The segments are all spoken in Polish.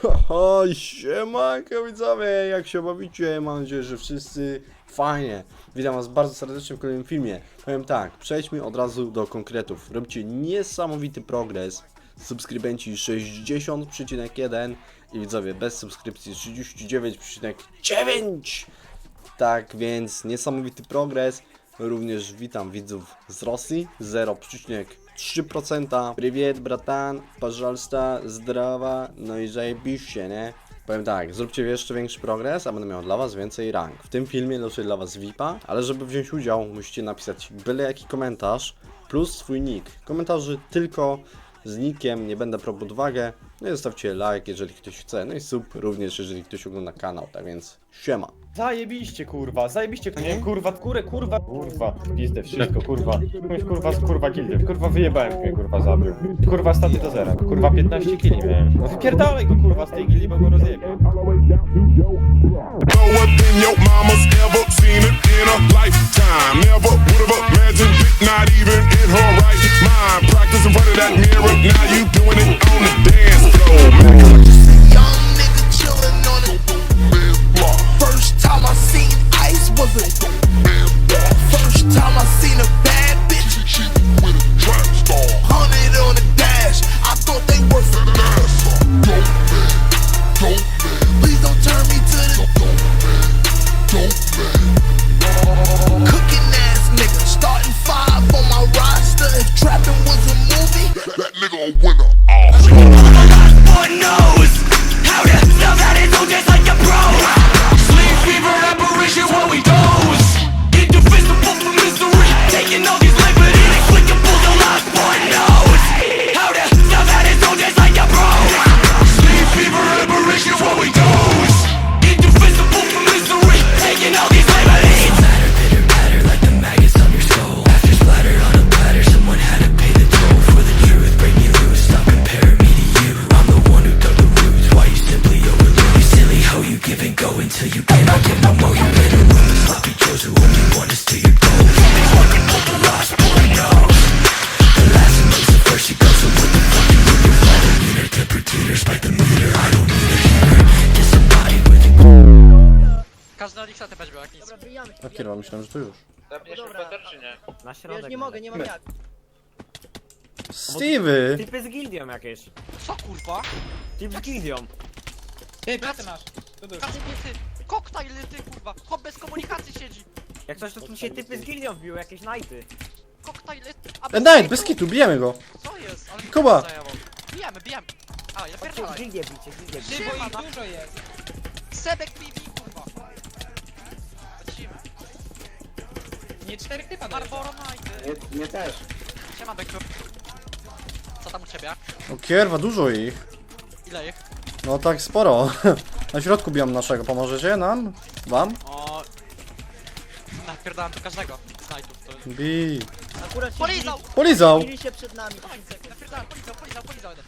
Oj, siemanko widzowie, jak się bawicie? Mam nadzieję, że wszyscy fajnie. Witam was bardzo serdecznie w kolejnym filmie. Powiem tak, przejdźmy od razu do konkretów. Robicie niesamowity progres. Subskrybenci 60,1 i widzowie bez subskrypcji 39,9. Tak więc niesamowity progres. Również witam widzów z Rosji 0,3%. Привет, bratan, пожалуйста, zdrowa, no i zajebiście, nie? Powiem tak, zróbcie jeszcze większy progres, a będę miał dla was więcej rank. W tym filmie losuję dla was VIP-a, ale żeby wziąć udział, musicie napisać byle jaki komentarz plus swój nick. Komentarzy tylko z nickiem, nie będę brał pod uwagę. No i zostawcie like, jeżeli ktoś chce, no i sub również, jeżeli ktoś ogląda kanał, tak więc siema. Zajebiście kurwa, zajebiście nie? Kurwa, kurwa, pizdę, wszystko kurwa. Kurwa gildy, kurwa wyjebałem mnie, kurwa zabił. Kurwa staty do zera, kurwa 15 kili miałem. No wypierdalaj go kurwa z tej gildy, bo go rozjebię. Lower than your mama's ever seen it in a lifetime. Never would have imagined it, not even in her right mind. Practice in front of that mirror, now you doing it on the dance floor. Young nigga chillin' on it. First time I seen ice was a. First time I seen a bad bitch. She with a trap star. 100 on the dash. I thought they were for Please don't turn me to the cooking ass nigga. Starting 5 on my roster. If trapping was a movie, That nigga a winner. One knows how to sell that it's all just like a pro. Sleep fever apparition when we doze. Indivisible from misery, taking all these liberties. Inexplicable, the last one knows how to sell that it's all just like a pro. Sleep fever apparition when we doze. Indivisible from misery, taking all these liberties. Matter, pitter, patter like the maggots on your skull. After splatter on a platter, someone had to pay the toll for the truth. Break me loose, stop comparing me to you. I'm the one who dug the roots. Why you simply overlook? You silly hoe, you give and go until you cannot give no more. You better run the sloppy joes who only want us to your goals. Things like a pull the last boy knows. The last knows the first you go. So what the fuck you do? You're falling meter, temperature, spike the meter. I don't need a heater. Disembodied with you. Każdy na Lixa też był jak nic. Dobra, wyjamy się. No kierwa, myślałem, że to już. Zabierz Dobra. Peter czy nie? Na Ja środek. już nie mogę, nie mam jak. Stevie! Typy z gildią jakieś. Co kurwa? Typ z gildią. Ty, plecy masz. Tu dusz. Każdy ty, koktajl ty kurwa, hop bez komunikacji siedzi. Jak coś to tu się typy z gildią wbiły, jakieś nighty. Koktajl, a Night, bez kitu, bijemy go! Co jest? Ale Kuba! zajęło. Bijemy. A, ja Chodźcie w pierdolę. gildię bicie, gildię bicie. Ty, bo ich dużo jest. Sebek PV kurwa. Lecimy. Nie 4 typa Barboro Nighty. Nie też. Siema Beku. Co tam u ciebie? O kierwa, dużo ich. Ile ich? No tak sporo. Na środku bijam naszego, pomożecie nam? Wam? O... Napierdałem do każdego z Knightów. To... Bij. Akurat się Polizał! Polizał! bili się przed nami. Napierdałem, polizał jeden.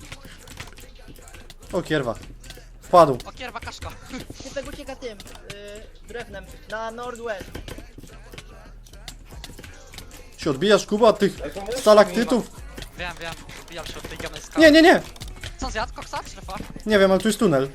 O kierwa. Wpadł. O kierwa kaszka. Typek ucieka tym, drewnem, na northwest. Się odbijasz, Kuba, od tych stalaktytów? Wiem. Wbijam się od tej gamnej skały. Nie! Co zjadł? Koksa? Strefa? Nie wiem, ale tu jest tunel.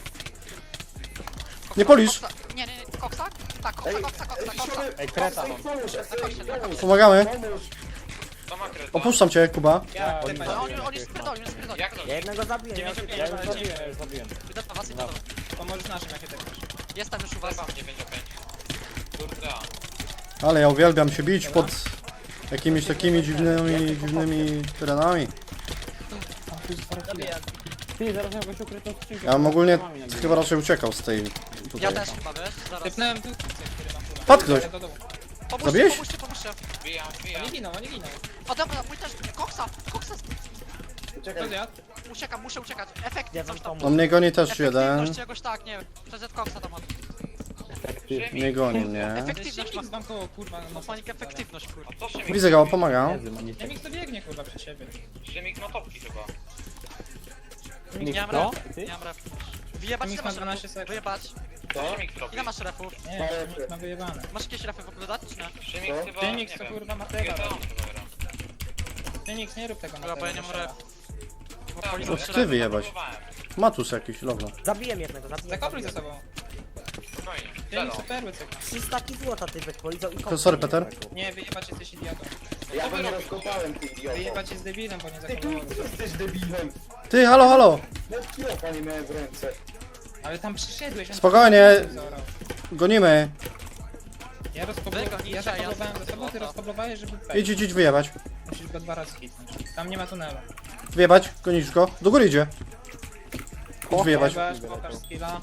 Nie polisz. Nie, koksa? Tak, koksa. Ej, kreta. Pomagamy. To ma kreta. Opuszczam cię, Kuba. Ja, On jest spierdolił, Jak to? Ja jednego zabiję, ja już zabiłem. Idę do was, idę do was. Pomożesz naszym, jakie tak masz. Jestem już u was. 95. Kurde. Ale ja uwielbiam się bić pod jakimiś takimi dziwnymi terenami. Zabijam. Ty, zaraz miał goś ukrytą skrzynkę. Ja bym ogólnie chyba raczej uciekał z tej Ja tutaj. też chyba, wiesz? Zaraz. Typnąłem tu. Padł ktoś. Zabiłeś? Pomóżcie. Wbijam. Nie ginął. O dobra, mój też, koksa. Kto zjadł? Uciekam, muszę uciekać. Efektnie Ja wam coś tam. No mnie goni też jeden. Efektywność jakoś tak, nie wiem. PZ koksa tam ma. Nie goni mnie. Efektywność ma. Mam koło kurwa. Manik efektywność, kurwa. A co Szymik? Widzę go, pomagam. Chemik to biegnie kurwa przed siebie. Szymik ma topki chyba. Nie mam No? ref. Nie mam ref. Wyjebać, ile Chemik ma masz 12 refów? sekund. Wyjebać. Co Szymik robi? Ile masz refów? Nie, Chemik ma wyjebane. Masz jakieś refy w ogóle dać, czy nie? Szymik chyba, Chemik nie to wiem. kurwa ma GTA tego. on chyba gra. Chemik nie rób tego Dobra, bo ja nie mam ref. To ty wyjebać. Matus jakiś, logno. Zabiłem jednego, zabiłem. Zakopluj ze sobą. Spokojnie. Ja Zero. nic perły cykam. 300 złota ty wypolizał i To sorry, Peter. Nie, wyjebać jesteś idiotą. Ja go nie rozkopałem, ty idioto. Wyjebać jest debilem, bo nie zakoplował. Jesteś debilem. Ty, halo, halo! Nawet kilofa nie miałem w ręce. Ale tam przyszedłeś, on Spokojnie. zorał. Gonimy. Ja Wygo, zakoblowałem za sobą, ty rozkoblowałeś, żeby pejść. Idź, wyjebać. Musisz go 2 razy hitnąć. Tam nie ma tunelu. Wyjebać, gonisz go. Do góry idzie. Idź wyjebać. Wyjebasz, pokaż skilla.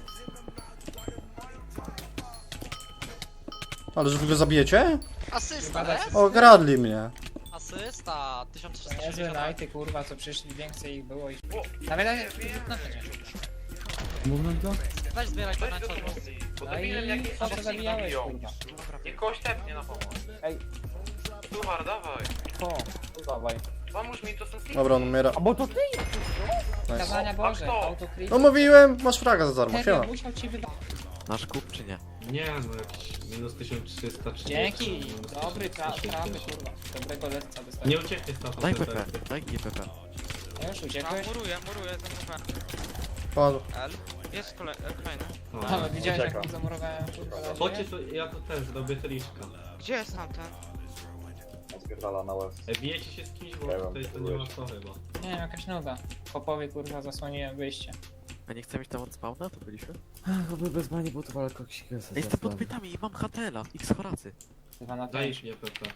Ale że wy go zabijecie? Asysta, Wypadać. nie? Okradli mnie. Asysta, To niezłe 1360. najty, kurwa, co przyszli, więcej ich było i... Nawet na to nie. Weź zbieraj to na czas. Bo No debilem jak i nie po co zabijałeś, biją. kurwa? Niech kogoś tepnie na pomoc. Ej. Suchar, dawaj. O, Dawaj. Pomóż mi, to są slipy. Dobra, on umiera. A bo to ty? Nice. kazania Boże, kto? autocrit. No mówiłem, masz fraga za darmo, Serio, siema. musiał ci wydać. Nasz kup czy nie? Nie, no jakiś minus 1330. Dzięki, minus dobry, 1350. prawy, kurwa. Dobrego lecca Nie dostałem. ucieknie z taką Daj PP, daj GPP. Ja już uciekłeś? Muruję, zamurowałem. Padł. L. Jest kolejny. Ale widziałeś jak Uciekam. mi zamurowałem, kurwa. Chodźcie, to ja to też zrobię teliczka. Gdzie jest tamten? Zbierdala na łez. Bijecie się z kimś, bo Nie wiem, tutaj to nie ma co chyba. Nie wiem, jakaś nuda. Popowie, kurwa, zasłoniłem wyjście. A nie chcemy iść tam od spawna? To byliśmy? Chyba bez bani butów, ale koksika Ej, jestem pod pytami i mam HTL-a, X Horacy. 2 na Daj 5. mnie PP.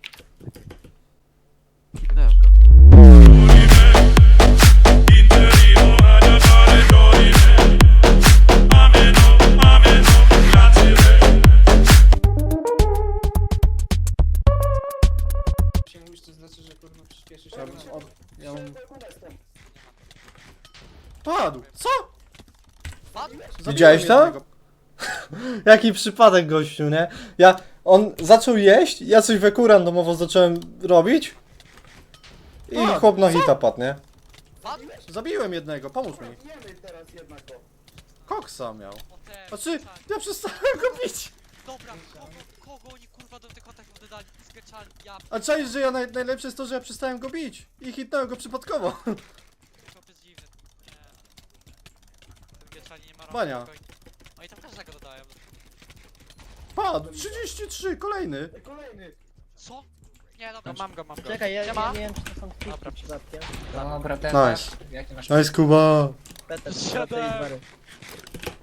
Dałem go. Się mówisz, to znaczy, że kurwa przyspieszysz. Padł. Co? Padłeś? Widziałeś to? Jaki przypadek, gościu, nie? On zaczął jeść, ja coś weku randomowo zacząłem robić i chłop na hita padł, nie? Padłeś? Zabiłem jednego, pomóż mi. Jemy teraz jednak o. Koksa miał. O te... Znaczy, ja przestałem go bić. Dobra, kogo oni kurwa do tych kontaktów dodali? Skeczali, ja A czaisz, że ja najlepsze jest to, że ja przestałem go bić i hitnąłem go przypadkowo. to jest dziwne. Nie. Skeczali nie ma rąk, Bania. spokojnie. Oni tam każdego dodają. Padł, 33, kolejny. Kolejny. Co? Nie, dobra, mam go. Czekaj, ja Siema. nie wiem czy to są kwitki przypadkiem. Dobra, ten Nice. Jaki masz... Nice, Kuba. Peter, Siadaj. Peter i Barry.